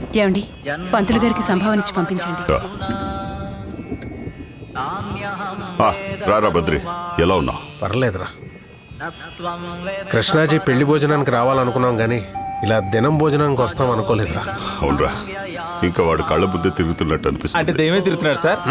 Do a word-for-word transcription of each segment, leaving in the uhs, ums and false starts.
ఏమండి, పంతులు గారికి సంభావన ఇచ్చి పంపించండి. రారా బద్రి, ఎలా ఉన్నావు? పర్లేదురా. కృష్ణాజీ పెళ్లి భోజనానికి రావాలనుకున్నాం కానీ ఇలా దినం భోజనానికి వస్తాం అనుకోలేదురా. అవునరా, ఇంకా వాడు కళ్ళ బుద్ధి తిరుగుతున్నట్టు అనిపిస్తుంది. అంటే దేమే తిరుగుతున్నాడు సార్.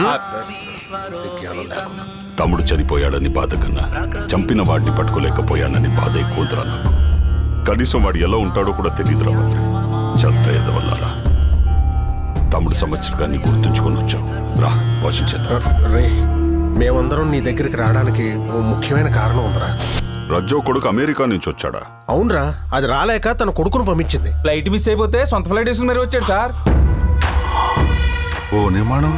తమ్ముడు చనిపోయాడని బాధ కన్నా చంపిన వాడిని పట్టుకోలేకపోయానని బాధ ఎక్కువరా నాకు. కనీసం వాడు ఎలా ఉంటాడో కూడా తెలియదురా బద్రి. చెత్త ఎదవల్లారా. తమ్ముడు సంవత్సరాన్ని గుర్తుంచుకొని వచ్చావు. రా భోజనం చేద్దాం. రే, మేమందరం నీ దగ్గరికి రావడానికి ఓ ముఖ్యమైన కారణం ఉందిరా. రజ్జో కొడుకు అమెరికా నుంచి వచ్చాడా? అవునరా, అది రాలేక తన కొడుకును పంపించింది. ఫ్లైట్ మిస్ అయిపోతే సొంత ఫ్లైట్ వేసుకుని మరీ వచ్చాడు సార్. ఓ నిర్మాణం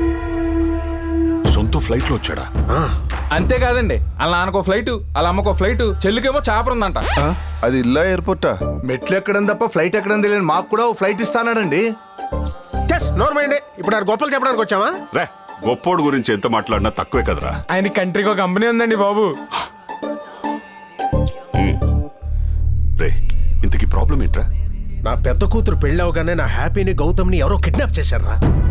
సొంత ఫ్లైట్ లో వచ్చాడా? అంతేకాదండి, వాళ్ళ నాన్నకో ఫ్లైట్, వాళ్ళ అమ్మకో ఫ్లైట్, చెల్లికేమో చాపర్ ఉందంట. అది ఇల్లా ఎయిర్పోర్టా? మెట్లు ఎక్కడం తప్ప ఫ్లైట్ ఎక్కడం తెలియదు. మాకు కూడా ఓ ఫ్లైట్ ఇస్తానండి. నోర్మైండే, ఇప్పుడు ఆ గొప్పలు చెప్పడానికి వచ్చావా? రే, గొప్పోడు గురించి ఎంత మాట్లాడినా తక్కువే కదరా. ఆయన కంట్రీకి ఒక కంపెనీ ఉందండి బాబు. రే, ఇంతకీ ప్రాబ్లం ఏంట్రా? నా పెద్ద కూతురు పెళ్ళి అవగానే నా హ్యాపీని గౌతమ్ని ఎవరో కిడ్నాప్ చేశారా.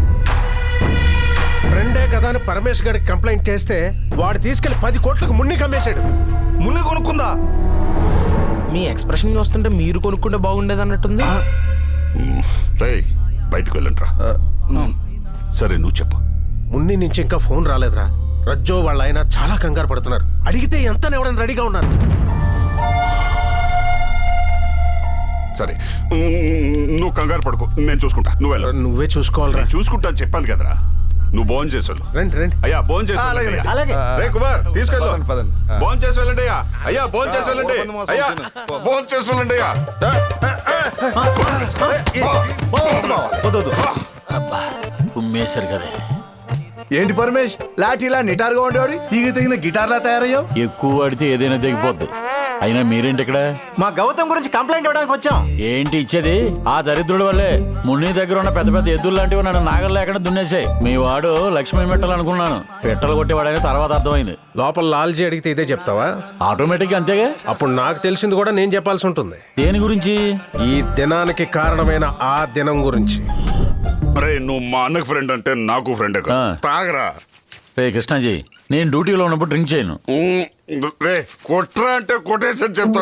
ఫ్రెండే కదా అని పరమేష్ గారికి కంప్లైంట్ చేస్తే వాడు తీసుకెళ్లి పది కోట్లకు మున్ని కమ్మేశాడు. మున్ని కొనుక్కుందా? మీ ఎక్స్ప్రెషన్ చూస్తుంటే మీరు కొనుక్కుంటే బాగుండేది అన్నట్టుంది. రే, బయటకు వెళ్ళంట్రా. సరే నువ్వు చెప్పు. మున్ని నుంచి ఇంకా ఫోన్ రాలేదురా. రజ్జో వాళ్ళ ఆయన చాలా కంగారు పడుతున్నారు. అడిగితే ఎంత ఎవరైనా రెడీగా ఉన్నారు. సరే నువ్వు కంగారు పడుకో, నేను చూసుకుంటా. నువ్వు వెళ్ళ. నువ్వే చూసుకోవాలరా. చూసుకుంటా అని చెప్పాను కదరా. నువ్వు భోజనం చేసి వెళ్ళు. రండి రండి. అయ్యా భోజనం చేసి వెళ్ళండి. రే కుమార్, తీసుకెళ్ళు. భోజనం చేసి వెళ్ళండి అయ్యా. అయ్యా భోజనం చేసి వెళ్ళండి. అయ్యా భోజనం చేసి వెళ్ళండి అయ్యా. ఉమ్మేశారు కదా. ఏంటి పరమేష్, లాఠీలా నిటారుగా ఉండేవాడు తీగ తెగిన గిటార్లా తయారయ్యావు. ఎక్కువ వాడితే ఏదైనా తెగిపోద్ది. అయినా మీరేంటి ఇక్కడ? మా గౌతమ్ గురించి కంప్లైంట్ ఇవ్వడానికి వచ్చాం. ఏంటి ఇచ్చేది? ఆ దరిద్రుడి వల్లే మున్ని దగ్గర ఉన్న పెద్ద పెద్ద ఎద్దులు లాంటివి నన్ను నాగలు లేకుండా దున్నేసాయి. మీ వాడు లక్ష్మీ మెట్టలు అనుకున్నాను, పెట్టలు కొట్టేవాడని తర్వాత అర్థమైంది. లోపల లాల్జీ అడిగితే ఇదే చెప్తావా? ఆటోమేటిక్ గా అంతేగా. అప్పుడు నాకు తెలిసింది కూడా నేను చెప్పాల్సి ఉంటుంది. దేని గురించి? ఈ దినానికి కారణమైన ఆ దినం గురించి. రే, నువ్వు మా అన్నకు ఫ్రెండ్ అంటే నాకు ఫ్రెండ్ తాగరా. రే కృష్ణాజీ, నేను డ్యూటీలో ఉన్నప్పుడు డ్రింక్ చేయను. రే, కొట్రా అంటే కొటేషన్ చెప్తా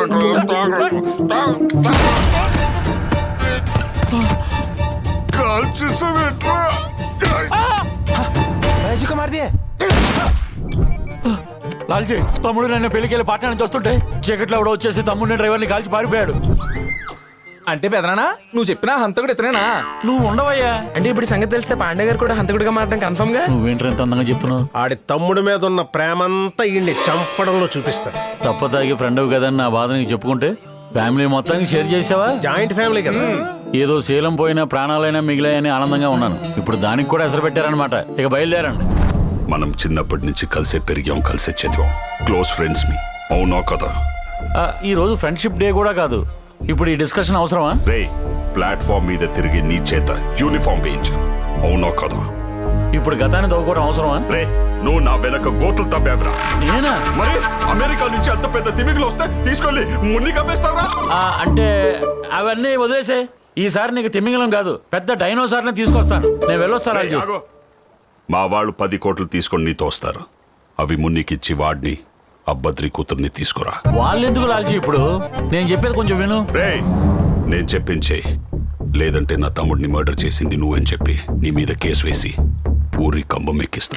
లాల్జీ, తమ్ముడు నన్ను పెళ్లికెళ్ళి పట్టణం నుంచి వస్తుంటే చీకట్లో కూడా వచ్చేసి తమ్ముడిని డ్రైవర్ని కాల్చి పారిపోయాడు. అంటే పెదనానా నువ్వు చెప్పినా హంతకుడు ఇతనేనా? నువ్వు ఉండవయ్యా. అంటే ఇప్పుడు సంగతి తెలిస్తే పాండే గారు కూడా హంతకుడిగా మారడం కన్ఫర్మ్ గా. నువ్వేంటి ఎంత అందంగా చెప్తున్నావు? ఆడి తమ్ముడి మీద ఉన్న ప్రేమంతా ఈ చంపడంలో చూపిస్తాడు. తప్ప తాగి ఫ్రెండ్ కదని నా బాధ నీకు చెప్పుకుంటే ఫ్యామిలీ మొత్తానికి షేర్ చేసావా? జాయింట్ ఫ్యామిలీ కదా. ఏదో శీలం పోయినా ప్రాణాలైనా మిగిలాయని ఆనందంగా ఉన్నాను. ఇప్పుడు దానికి కూడా ఎసరు పెట్టారనమాట. ఇక బయలుదేరండి. మనం చిన్నప్పటి నుంచి కలిసే పెరిగాం, కలిసే చదివాం. క్లోజ్ ఫ్రెండ్స్ మీ, అవునా కదా? ఈ రోజు ఫ్రెండ్షిప్ డే కూడా కాదు. ఇప్పుడు ఈ డిస్కషన్ అవసరమా? రే, ప్లాట్ఫామ్ మీద తిరిగి నీ చేత యూనిఫామ్ వేయించు, అవునా కదా? ఇప్పుడు గతాన్ని తవ్వుకోవడం అవసరమా? రే, నువ్వు నా వెనక గోతులు తవ్వావురా. నేనా? మరి అమెరికా నుంచి అంత పెద్ద తిమింగలు వస్తే తీసుకెళ్ళి మున్ని కప్పేస్తారా? అంటే అవన్నీ వదిలేసే. ఈసారి నీకు తిమింగలం కాదు, పెద్ద డైనోసార్ని తీసుకొస్తాను. నేను వెళ్ళొస్తాను. మా వాళ్ళు పది కోట్లు తీసుకొని నీతో వస్తారు. అవి మున్నికిచ్చి వాడిని అబ్బద్రి కూతుర్ని తీసుకురా. వాళ్ళు ఎందుకు లాల్జీ? ఇప్పుడు నేను చెప్పేది కొంచెం విను. రే, నేను చెప్పించే, లేదంటే నా తమ్ముడిని మర్డర్ చేసింది నువ్వని చెప్పి నీ మీద కేసు వేసి ఊరి కంబం ఎక్కిస్తా.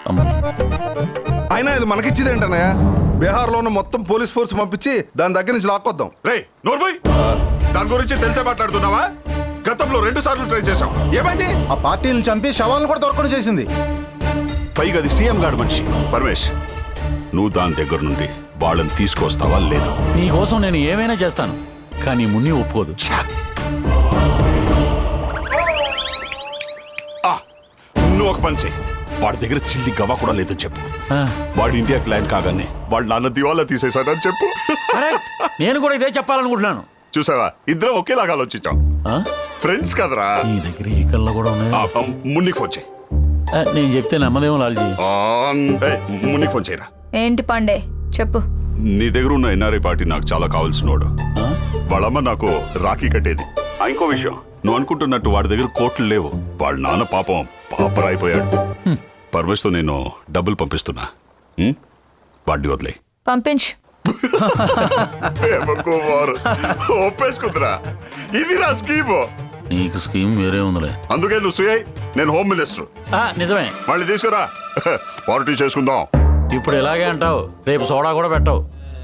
అయినా ఇది మనకిచ్చింది ఏంటన్నయ్య? బీహార్ లో ఉన్న మొత్తం పోలీస్ ఫోర్స్ పంపించి దాని దగ్గర నుంచి లాక్కొద్దాం. రే నోర్మోయ్, దాని గురించి తెలిసే మాట్లాడుతున్నావా? గతంలో రెండు సార్లు ట్రై చేశాం, ఏమైంది? ఆ పార్టీని చంపి శవాలను కూడా దొరకడం చేసింది. పైగా అది సీఎం గారు మనిషి. పరమేష్, నువ్వు దాని దగ్గర నుండి వాళ్ళని తీసుకొస్తావా లేదా? నీకోసం నేను ఏమైనా చేస్తాను, కానీ మున్ని ఒప్పుకోదు. నువ్వు ఒక పని చెయ్యి, వాడి దగ్గర చిల్లి గవా కూడా లేదని చెప్పు. వాడి ఇండియా క్లైన్ కాగానే వాళ్ళ నాన్న దివాలా తీసేశాడని చెప్పు. నేను కూడా ఇదే చెప్పాలనుకుంటున్నాను. చూసావా, ఇద్దరం ఒకేలాగా ఆలోచించాం. ఫ్రెండ్స్ కదరా. నీ దగ్గర ఈ కళ్ళ కూడా ఉన్నాయి. మున్నికి ఫోన్ చేయి. నేను చెప్తే నమ్మదేమో లాల్జీ. మున్నికి ఫోన్ చేయరా. ఏంటి పాండే, చెప్పు. నీ దగ్గర ఉన్న ఎన్ఆర్ఐ పార్టీ నాకు చాలా కావాల్సినోడు. వాళ్ళమ్మ నాకు రాఖీ కట్టేది. ఆ, ఇంకో విషయం నువ్వు అనుకుంటున్నట్టు వాడి దగ్గర కోట్లు లేవు. వాళ్ళ నాన్న పాపం పాపరాయిపోయాడు. పరమేశ్తో నేను డబ్బులు పంపిస్తున్నా. ఉం? వాడిని వదిలే పంపించు. ఒప్పేసుకుందిరా. ఇది నా స్కీము. నీకు స్కీమ్ వేరే ఉందిలే. అందుకే నువ్వు సుయ్, నేను హోమ్ మినిస్టర్. ఆ, నిజమే. మళ్ళీ తీసుకురా, పార్టీ చేసుకుందాం. ఇప్పుడు ఇలాగే అంటావు, రేపు సోడా కూడా పెట్టావు.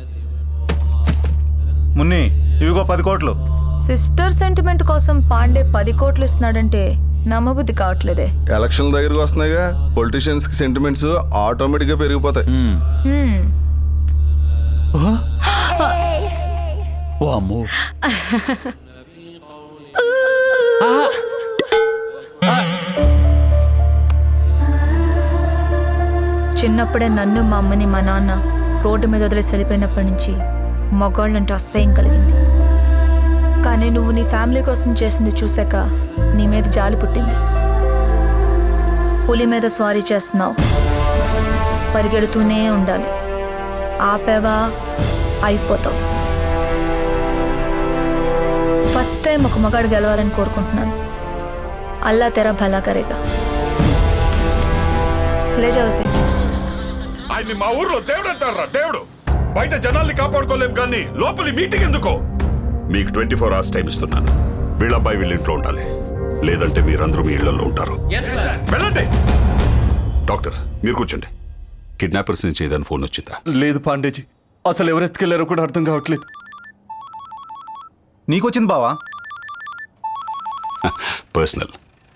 మున్ని ఇవిగో పది కోట్లు. సిస్టర్ సెంటిమెంట్ కోసం పాండే పది కోట్లు ఇస్తున్నాడంటే నమ్మబుద్ధి కావట్లేదే. ఎలక్షన్ దగ్గరకు వస్తున్నాయిగా, పొలిటీషియన్స్ కి సెంటిమెంట్స్ ఆటోమేటిక్ గా పెరిగిపోతాయి. ఉమ్. హ్మ్. ఓ అమ్మో. చిన్నప్పుడే నన్ను మా అమ్మని మా నాన్న రోడ్డు మీద వదిలేసి వెళ్ళిపోయినప్పటి నుంచి మగవాళ్ళంటే అసహ్యం కలిగింది. కానీ నువ్వు నీ ఫ్యామిలీ కోసం చేసింది చూశాక నీ మీద జాలి పుట్టింది. పులి మీద స్వారీ చేస్తున్నావు, పరిగెడుతూనే ఉండాలి. ఆపేవా అయిపోతావు. ఫస్ట్ టైం ఒక మగాడు గెలవాలని కోరుకుంటున్నాను. అల్లా తెరా భలా కరేగా. లేజావసి. ఆయన్ని మా ఊర్లో దేవుడు అంటారా? దేవుడు. బయట జనాల్ని కాపాడుకోలేం కానీ లోపలి మీటింగ్ ఎందుకో? మీకు ట్వంటీ ఫోర్ అవర్స్ టైం ఇస్తున్నాను. వీళ్ళబ్బాయి వీళ్ళ ఇంట్లో ఉండాలి, లేదంటే మీరందరూ మీ ఇళ్లలో ఉంటారు. వెళ్ళండి. డాక్టర్ మీరు కూర్చోండి. కిడ్నాపర్స్ నుంచి ఏదైనా ఫోన్ వచ్చిందా? లేదు పాండేజీ, అసలు ఎవరు ఎత్తుకెళ్లారో కూడా అర్థం కావట్లేదు. నీకొచ్చింది బావా? పర్సనల్.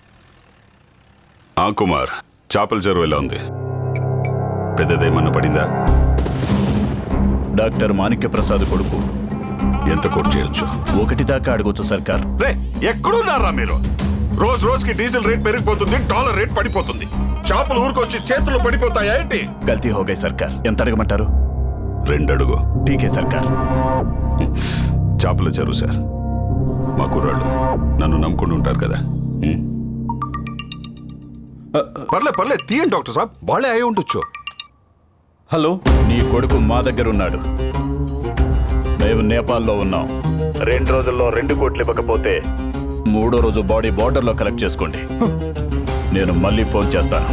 ఆ కుమార్, చేపల చెరువు ఎలా ఉంది? పెద్దదేమన్నా పడిందా? డాక్టర్ మాణిక్య ప్రసాద్ కొడుకు. ఎంత కోట్ చేయొచ్చు? ఒకటి దాకా అడగొచ్చు సర్కార్. రే ఎక్కడున్నారా మీరు? రోజు రోజుకి డీజిల్ రేట్ పెరిగిపోతుంది, డాలర్ రేట్ పడిపోతుంది. చేపలు ఊరుకొచ్చి చేతులు పడిపోతాయా ఏంటి? గల్తీ హోగై సర్కార్. ఎంత అడగమంటారు? రెండడుగు. టీకే సర్కార్. చేపల చెరువు సార్. మా కుర్రాళ్ళు నన్ను నమ్ముకుంటూ ఉంటారు కదా. ఉం? పర్లే పర్లే తీయండి డాక్టర్ సాబ్, వాళ్ళే అయి ఉండొచ్చు. హలో, నీ కొడుకు మా దగ్గర ఉన్నాడు. మేము నేపాల్లో ఉన్నాం. రెండు రోజుల్లో రెండు కోట్లు ఇవ్వకపోతే మూడో రోజు బాడీ బార్డర్లో కలెక్ట్ చేసుకోండి. నేను మళ్ళీ ఫోన్ చేస్తాను.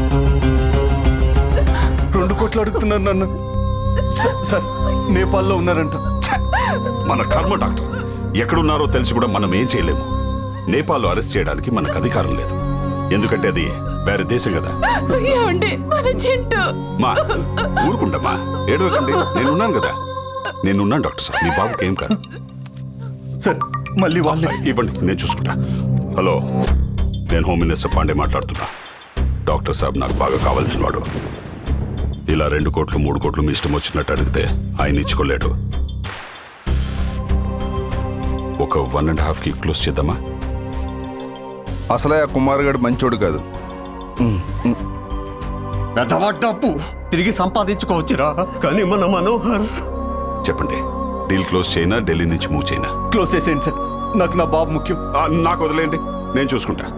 రెండు కోట్లు అడుగుతున్నారు నన్ను. స- సార్ నేపాల్లో ఉన్నారంట. మన కర్మ డాక్టర్. ఎక్కడున్నారో తెలిసి కూడా మనం ఏం చేయలేము. నేపాల్లో అరెస్ట్ చేయడానికి మనకు అధికారం లేదు, ఎందుకంటే అది వేరే దేశం కదా. మా ఊరుకుంటమ్మా, ఏడవకండి. నేనున్నాను కదా, నేనున్నాను డాక్టర్ సార్. మీ బాబుకి ఏం కాదు. సార్ మళ్ళీ వాళ్ళే. ఇవ్వండి, నేను చూసుకుంటా. హలో, నేను హోమ్ మినిస్టర్ పాండే మాట్లాడుతున్నా. డాక్టర్ సాబ్ నాకు బాగా కావాల్సిన వాడు. ఇలా రెండు కోట్లు మూడు కోట్లు మీ ఇష్టం వచ్చినట్టు అడిగితే ఆయన ఇచ్చుకోలేడు. ఒక వన్ అండ్ హాఫ్ కి క్లోజ్ చేద్దామా? అసలే ఆ కుమార్ గారు మంచోడు కాదు. పెద్దవా డబ్బు తిరిగి సంపాదించుకోవచ్చురా, కానీ మన మనోహర్. చెప్పండి, డీల్ క్లోజ్ చేయనా, ఢిల్లీ నుంచి మూవ్ చేయనా? క్లోజ్ చేసేయండి సార్, నాకు నా బాబు ముఖ్యం. ఆ, నాకు వదిలేయండి, నేను చూసుకుంటా.